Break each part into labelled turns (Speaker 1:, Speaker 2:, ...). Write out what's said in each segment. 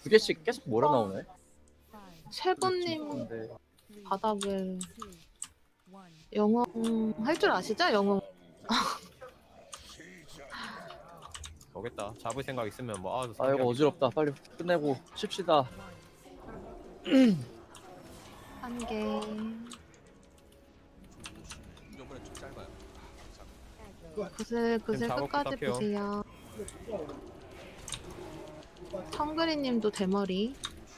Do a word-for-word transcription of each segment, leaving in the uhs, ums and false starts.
Speaker 1: 두 개씩 계속 몰아 나오네.
Speaker 2: 셰보님
Speaker 1: 근데
Speaker 2: 바닥을 영웅 할 줄 아시죠? 영웅.
Speaker 3: 오겠다. 잡을 생각 있으면 뭐 아주
Speaker 1: 아 이거 어지럽다. 빨리 끝내고 쉽시다.
Speaker 2: 한 개.
Speaker 4: 요번에 좀 짧아요.
Speaker 2: 구슬 구슬
Speaker 3: 작업
Speaker 2: 끝까지
Speaker 3: 부탁해요.
Speaker 2: 보세요. 청그리님도 대머리.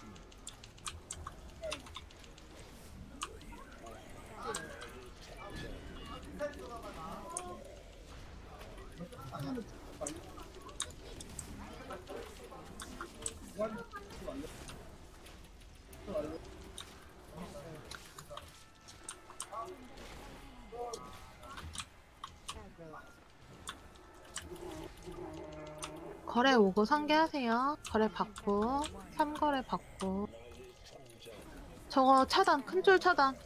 Speaker 2: 거래 오고 상계하세요. 거래 받고 삼 거래 받고. 저거 차단 큰줄 차단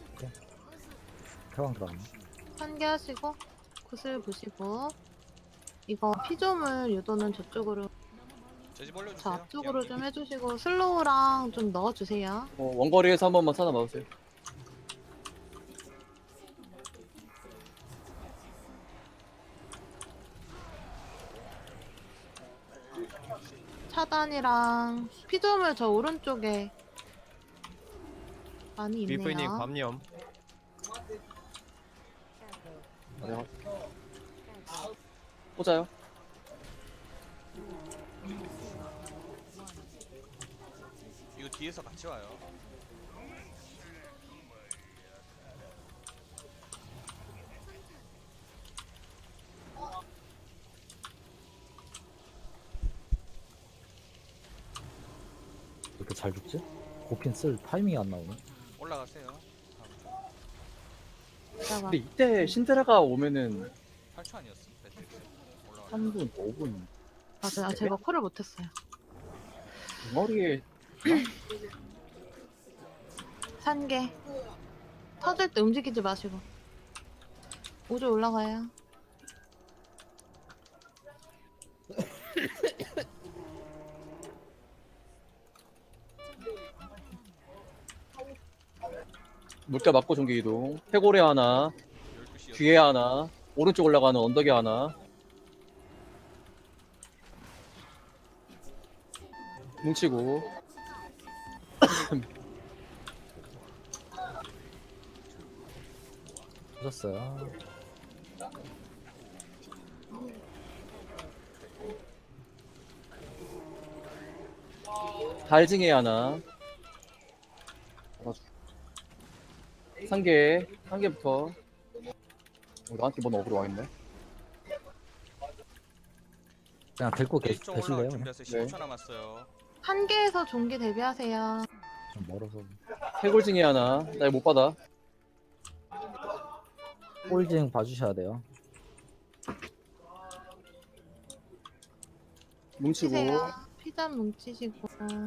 Speaker 5: 태왕 들어갔네.
Speaker 2: 상계하시고 구슬 보시고 이거 피조물 유도는 저쪽으로
Speaker 4: 제집 올려주세요.
Speaker 2: 저 앞쪽으로 좀 해주시고 슬로우랑 좀 넣어주세요.
Speaker 1: 어, 원거리에서 한 번만 찾아 봐주세요.
Speaker 2: 차단이랑 피조물 저 오른쪽에 많이
Speaker 3: 비프님
Speaker 2: 있네요.
Speaker 3: 감염.
Speaker 1: 아, 내가 꽂아요.
Speaker 4: 이거 뒤에서 같이 와요.
Speaker 5: 왜 이렇게 잘 죽지? 고핀 쓸 타이밍이 안 나오네.
Speaker 4: 올라가세요. 다음 주.
Speaker 2: 이따가
Speaker 1: 근데 이때 신드라가 오면은
Speaker 4: 팔 초 아니었어? 매트릭스. 올라가.
Speaker 1: 삼 분, 오 분
Speaker 2: 맞아요. 아, 제가 콜을 못했어요.
Speaker 1: 머리에
Speaker 2: 산개 터질 때 움직이지 마시고 오조 올라가요.
Speaker 1: 물가 맞고 종기 이동. 해골에 하나,
Speaker 4: 열두 시
Speaker 1: 뒤에 하나, 오른쪽 올라가는 언덕에 하나. 뭉치고
Speaker 5: 터졌어요.
Speaker 1: 달징에 하나. 한 개, 한 개부터. 어, 나한테 뭔 어그로 와있네.
Speaker 5: 그냥 데리고 계,
Speaker 4: 이쪽 올라갈
Speaker 5: 계실래요? 그냥?
Speaker 4: 준비하세요. 십오 초 남았어요.
Speaker 2: 한 개에서 종기 대비하세요.
Speaker 5: 좀 멀어서.
Speaker 1: 해골징에 하나. 나 이거 못 받아.
Speaker 5: 홀징 봐주셔야 돼요.
Speaker 1: 뭉치고.
Speaker 2: 치세요. 피잔 뭉치시고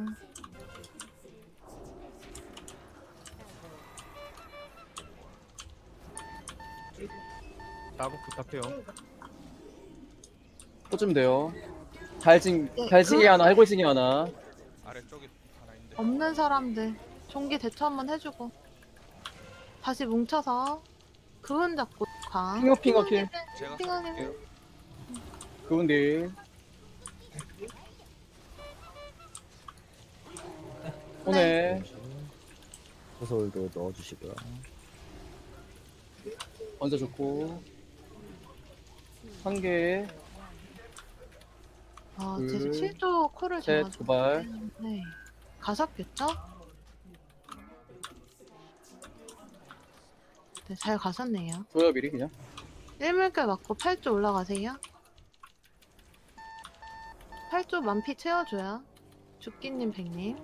Speaker 3: 작업 부탁해요.
Speaker 1: 꽂으면 돼요. 달징,
Speaker 2: 네,
Speaker 1: 달징에
Speaker 2: 그-
Speaker 1: 하나, 해골징에 하나.
Speaker 4: 아래쪽에 하나 있는데.
Speaker 2: 없는 사람들 종기 대처 한번 해주고 다시 뭉쳐서 그은 잡고 강
Speaker 1: 핑어, 핑어, 킬.
Speaker 4: 제가
Speaker 2: 핑어님.
Speaker 4: 쏠게요.
Speaker 1: 그분들. 오네.
Speaker 5: 소설도 넣어주시고요.
Speaker 1: 먼저 좋고. 한 개,
Speaker 2: 아,
Speaker 1: 둘,
Speaker 2: 제가 칠 조 콜을
Speaker 1: 셋,
Speaker 2: 제가
Speaker 1: 도발.
Speaker 2: 네. 가셨겠죠? 네, 잘 가셨네요.
Speaker 1: 줘요, 미리 그냥.
Speaker 2: 일물결 맞고 팔 조 올라가세요. 팔 조 만피 채워줘요. 죽기님 백님.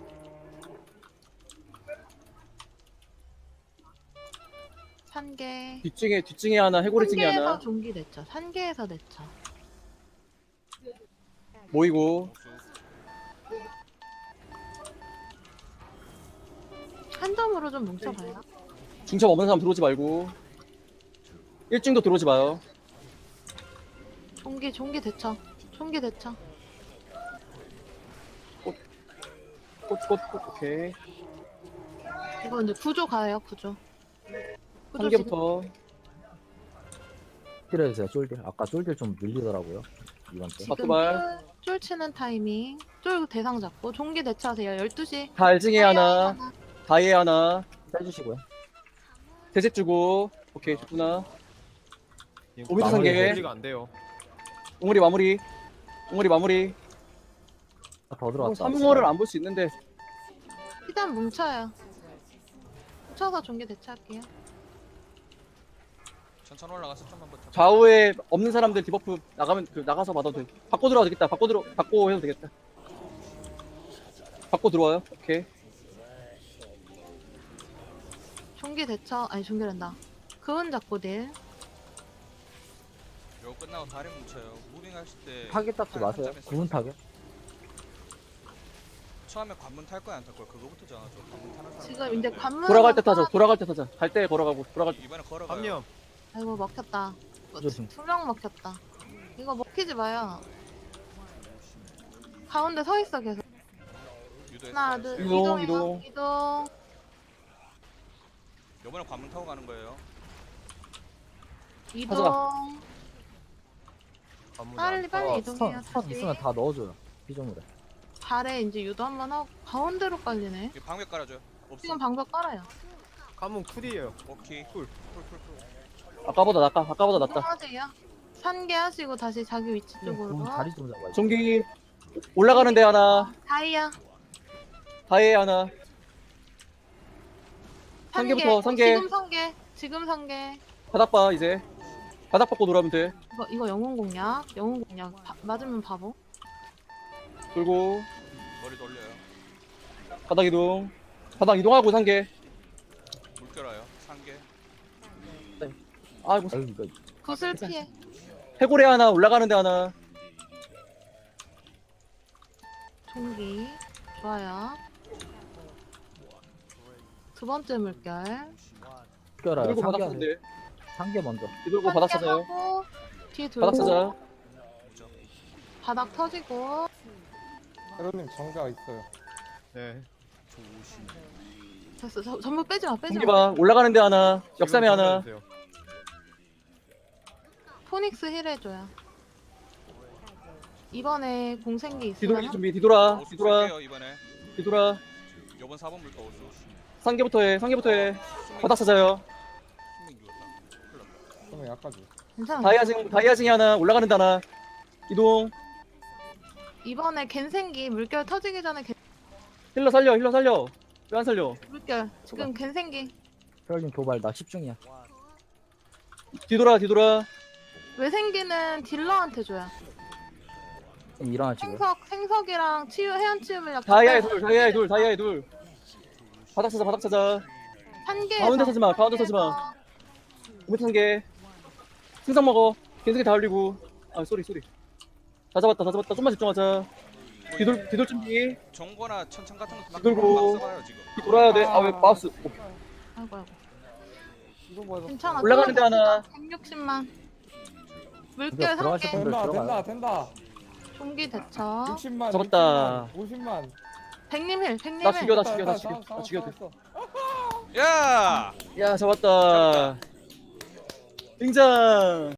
Speaker 2: 산개.
Speaker 1: 뒷증에, 뒷증에 하나, 해골징에
Speaker 2: 산개에서
Speaker 1: 하나.
Speaker 2: 종기 냈죠. 산개에서 냈죠.
Speaker 1: 모이고.
Speaker 4: 복수.
Speaker 2: 한 점으로 좀 뭉쳐봐요.
Speaker 1: 중첩 없는 사람 들어오지 말고. 일중도 들어오지 마요.
Speaker 2: 종기 종기 대처. 종기 대처.
Speaker 1: 꽃꽃 오케이.
Speaker 2: 이거 이제 구조 가요, 구조. 구조
Speaker 1: 한 개부터.
Speaker 5: 딜해주세요 쫄딜. 아까 쫄딜 좀 밀리더라고요 이번 때.
Speaker 2: 지금
Speaker 1: 바꾸발.
Speaker 2: 쫄, 쫄 치는 타이밍. 쫄 대상 잡고 종기 대처하세요. 열두 시.
Speaker 1: 달징에 하나. 다이에 하나.
Speaker 5: 해주시고요.
Speaker 1: 대책 주고. 오케이 좋구나. 오미터
Speaker 5: 마무리
Speaker 1: 상계.
Speaker 3: 관리가 안 돼요.
Speaker 1: 옹물이 마무리. 옹물이 마무리.
Speaker 5: 아, 더 들어왔다.
Speaker 1: 삼 호를 안 볼 수 있는데.
Speaker 2: 일단 뭉쳐요. 뭉쳐서 종기 대처할게요.
Speaker 4: 천천히 올라가서 좀만 버텨.
Speaker 1: 좌우에 없는 사람들 디버프 나가면 그 나가서 받아도 돼. 바꿔 들어와도 되겠다. 바꿔 들어 바꿔 해도 되겠다. 바꿔 들어와요. 오케이.
Speaker 2: 종기 대처, 아니 종기란다. 그은 잡고 딜.
Speaker 4: 요거 끝나고 다리 뭉쳐요. 무빙 하실 때
Speaker 5: 타겟 닦지
Speaker 4: 팔
Speaker 5: 마세요.
Speaker 4: 한점에서
Speaker 5: 구분 타겟.
Speaker 4: 처음에 관문 탈 거야 안 탈 거야? 그거부터 정하죠. 관문 타는 사람.
Speaker 2: 지금 이제 관문.
Speaker 1: 돌아갈 때 타자. 돌아갈 때 타자. 갈 때 걸어가고 돌아갈 때.
Speaker 4: 이번에 걸어가요.
Speaker 3: 삼념.
Speaker 2: 아이고 먹혔다.
Speaker 5: 조심.
Speaker 2: 두 명 먹혔다. 이거 먹히지 마요. 가운데 서 있어 계속.
Speaker 4: 유도했어요.
Speaker 2: 하나 둘
Speaker 1: 이동,
Speaker 2: 이동해요.
Speaker 1: 이동.
Speaker 2: 이동.
Speaker 4: 요번에 관문 타고 가는 거예요.
Speaker 2: 이동.
Speaker 3: 관문
Speaker 2: 빨리 빨리
Speaker 5: 어,
Speaker 2: 이동해요.
Speaker 5: 스턴, 스턴
Speaker 2: 다시.
Speaker 5: 있으면 다 넣어줘요. 피조물에.
Speaker 2: 발에 이제 유도 한번 하고 가운데로 깔리네.
Speaker 4: 여기 방벽 깔아줘요. 없어.
Speaker 2: 지금 방벽 깔아요.
Speaker 3: 관문 쿨이에요.
Speaker 4: 오케이.
Speaker 3: 쿨.
Speaker 4: 쿨쿨쿨.
Speaker 1: 아까보다 낫다. 아까보다 낫다.
Speaker 2: 이동하세요. 산개 하시고 다시 자기 위치 쪽으로.
Speaker 5: 구분 다리 좀 잡아요.
Speaker 1: 종기 올라가는 데 하나.
Speaker 2: 다이아.
Speaker 1: 다이에 하나. 한
Speaker 2: 산개.
Speaker 1: 개부터,
Speaker 2: 어,
Speaker 1: 산 개.
Speaker 2: 지금 산개. 지금 산개.
Speaker 1: 바닥 봐 이제. 바닥 받고 돌아오면 돼.
Speaker 2: 이거 이거 영웅 공략. 영웅 공략. 바, 맞으면 바보.
Speaker 1: 돌고
Speaker 4: 머리 돌려요.
Speaker 1: 바닥 이동. 바닥 이동하고 상계.
Speaker 4: 물 껴라요. 상계.
Speaker 1: 아이고
Speaker 5: 아유 이거
Speaker 2: 구슬 피해.
Speaker 1: 해골에 하나 올라가는 데 하나.
Speaker 2: 종기. 좋아요. 두 번째 물결.
Speaker 5: 껴라요.
Speaker 1: 들고 바닥
Speaker 5: 상계
Speaker 1: 찾는데.
Speaker 5: 상계 먼저.
Speaker 1: 뒤돌고 바닥 찾아요.
Speaker 2: 하고, 뒤에
Speaker 1: 바닥
Speaker 2: 돌고
Speaker 1: 찾아.
Speaker 2: 바닥 터지고.
Speaker 6: 헤로님 정가 있어요.
Speaker 3: 네.
Speaker 2: 됐어. 저, 전부 빼지 마. 빼지
Speaker 1: 종기
Speaker 2: 마.
Speaker 1: 봐. 올라가는 데 하나. 역삼에
Speaker 3: 지금
Speaker 1: 하나.
Speaker 3: 정리해주세요.
Speaker 2: 포닉스 힐 해줘요. 이번에 공생기
Speaker 1: 뒤돌기
Speaker 2: 있으면
Speaker 1: 준비. 뒤돌아.
Speaker 4: 오수
Speaker 1: 뒤돌아.
Speaker 4: 쓸게요 이번에.
Speaker 1: 뒤돌아.
Speaker 4: 요번 사 번 물가 오수.
Speaker 1: 상계부터 해. 상계부터 해. 바닥 찾아요.
Speaker 4: 승민 죽었다. 큰일 났다.
Speaker 6: 그러면 약까지.
Speaker 2: 괜찮아.
Speaker 1: 다이아징 다이아징이 하나. 올라가는 데 하나. 이동.
Speaker 2: 이번에 갠생기 물결 터지기 전에 갠-
Speaker 1: 힐러 살려. 힐러 살려. 왜 안 살려?
Speaker 2: 물결 지금 갠생기
Speaker 5: 혈님 도발 나 십 중이야.
Speaker 1: 뒤돌아. 뒤돌아.
Speaker 2: 외생기는 딜러한테 줘요.
Speaker 5: 일어나시고요.
Speaker 2: 생석 생석이랑 치유 해안 치유 물약
Speaker 1: 다이아의 둘. 다이아의 둘. 다이아의 둘. 바닥 찾아. 바닥 찾아.
Speaker 2: 한개
Speaker 1: 가운데 서지 마, 가운데 서지 마. 오미터 상계. 생선 먹어. 개새끼 다 올리고. 아 쏘리 쏘리. 다 잡았다. 다 잡았다. 좀만 집중하자. 뒤돌 뒤돌 준비.
Speaker 4: 정거나 천천 같은 거 막
Speaker 1: 들고.
Speaker 4: 막 써봐요 지금.
Speaker 1: 돌아야 돼. 아 왜 마우스. 오케이.
Speaker 2: 아이고 아이고
Speaker 6: 이거 뭐야?
Speaker 2: 괜찮아.
Speaker 1: 올라가는 데 하나.
Speaker 2: 백육십만 물결
Speaker 5: 이거 들어가실
Speaker 2: 삼개
Speaker 5: 분들
Speaker 6: 된다
Speaker 5: 들어가요.
Speaker 6: 된다 된다.
Speaker 2: 종기 대처
Speaker 6: 육십만.
Speaker 1: 잡았다.
Speaker 6: 오십만.
Speaker 2: 백님 힐 백님
Speaker 1: 나
Speaker 2: 힐
Speaker 1: 죽여 나 죽여 나 죽여. 나 죽여.
Speaker 4: 야!
Speaker 1: 야 잡았다. 등장.